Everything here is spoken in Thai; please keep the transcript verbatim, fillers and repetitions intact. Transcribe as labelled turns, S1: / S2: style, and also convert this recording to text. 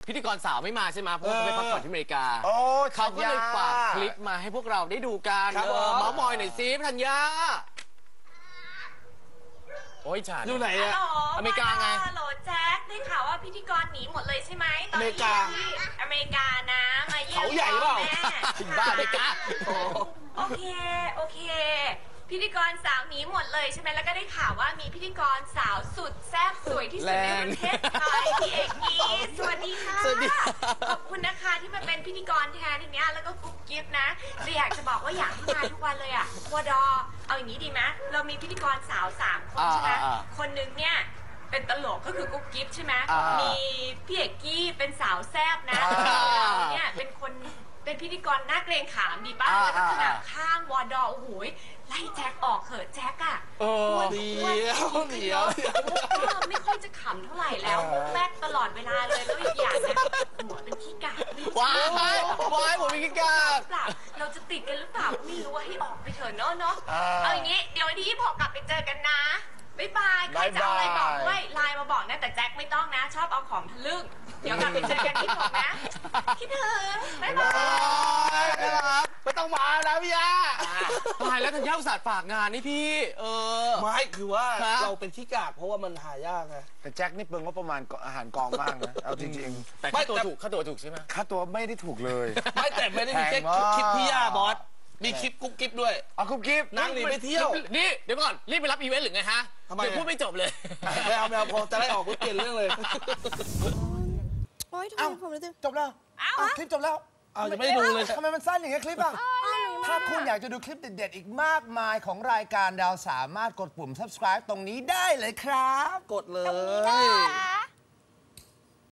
S1: พิธีกรสาวไม่มาใช่ไหมเพราะเขาไปพักผ่อนที่อเมริกาเขาก็เลยฝากคลิปมาให้พวกเราได้ดูกันเออเมาส์มอยหน่อยสิธัญญาโอ้ยฉัน
S2: อยู่ไหนอะ
S1: อเมริกาไง
S3: ฮัลโหลแจ็คได้ข่าวว่าพิธีกรหนีหมดเลยใช่ไหมตอนนี้ที่อเมริกานะมาเยี่ยม
S2: เขาใหญ่เปล่า
S1: ถึงบ้านอเมริกา
S3: โอเคโอเคพิธีกรสาวหนีหมดเลยใช่ไหมแล้วก็ได้ข่าวว่ามีพิธีกรสาวสุดแซ่บสวยที่สุดในประเทศไทยพี่เอกกี้สวัสดีค่ะขอบคุณนะคะที่มาเป็นพิธีกรแทนทีนี้แล้วก็กุ๊กกิ๊บนะแต่อยากจะบอกว่าอยากให้มาทุกวันเลยอะวดอเอาอย่างนี้ดีไหมเรามีพิธีกรสาวสามคนใช่ไหมคนนึงเนี่ยเป็นตลกก็คือกุ๊กกิ๊บใช่ไหมมีพี่เอกกี้เป็นสาวแซ่บนะเราเนี่ยเป็นคนเป็นพิธีกรน่าเกรงขามดีป่ะแล้วก็ขนาดข้างวอดอโอ้โหไล่แจ็คออกเถอะแจ็คอะอ้วนอ้วนเดียวไม่ค่อยจะขำเท่าไหร่แล้วแป๊กตลอดเวลาเลยแล้วอีกอย่างนะหัวเป็นขี้กาก
S1: ว้ายว้ายหัวเป็นขี้กาก
S3: เราจะติดกันหรือเปล่าไม่รู้ว่าให้ออกไปเถอะเนาะเนาะเอาอย่างนี้เดี๋ยววันที่ยี่สิบหกกลับไปเจอกันนะบ๊ายบายใครจะเอาอะไรบอกด้วยไลน์มาบอกนะแต่แจ็คไม่ต้องนะชอบเอาของทะลึ่งเดี๋ยวกลับไปเจอกันที่ผมนะคิดถึงบ๊ายบาย
S2: ไม่ต้องมาแล้วพี่ยา
S1: ตายแล้วธัญญาอุตส่าห์ฝากงานนี่พี่เออ
S2: ไม่คือว่าเราเป็นที่กากเพราะว่ามันหายากไง
S4: แต่แจ็คนี่เปิงว่าประมาณอาหารกองมากนะเอาจริง
S1: ๆแต่ค่าตัวถูกค่าตัวถูกใช่ไหม
S4: ค่าตัวไม่ได้ถูกเลย
S2: ไม่แต่ไม่ได้มีแค่คลิปพี่ยาบอสมีคลิปกุ๊กกิ๊บด้วย
S4: อ๋อกุ๊กกิ๊บ
S2: นั่งหนีไปเที่ยว
S1: นี่เดี๋ยวก่อนรีบไปรับอีเวนต์หรือไงฮะเดี๋ยวพูดไม่จบเลย
S2: ไม่เอาไม่เอาพอจะได้ออกก็เปลี่ยนเรื่องเลย
S5: โอ๊ยทำไมผมรู้สึก
S4: จบแล้วคลิปจบแล้ว
S2: อ้าวยังไม่ได้ดูเลย
S4: ทำไมมันสั้นอย่างเงี้ยคลิปอ่ะถ้าคุณอยากจะดูคลิปเด็ดๆอีกมากมายของรายการเราสามารถกดปุ่ม subscribe ตรงนี้ได้เลยครับ
S2: กดเลย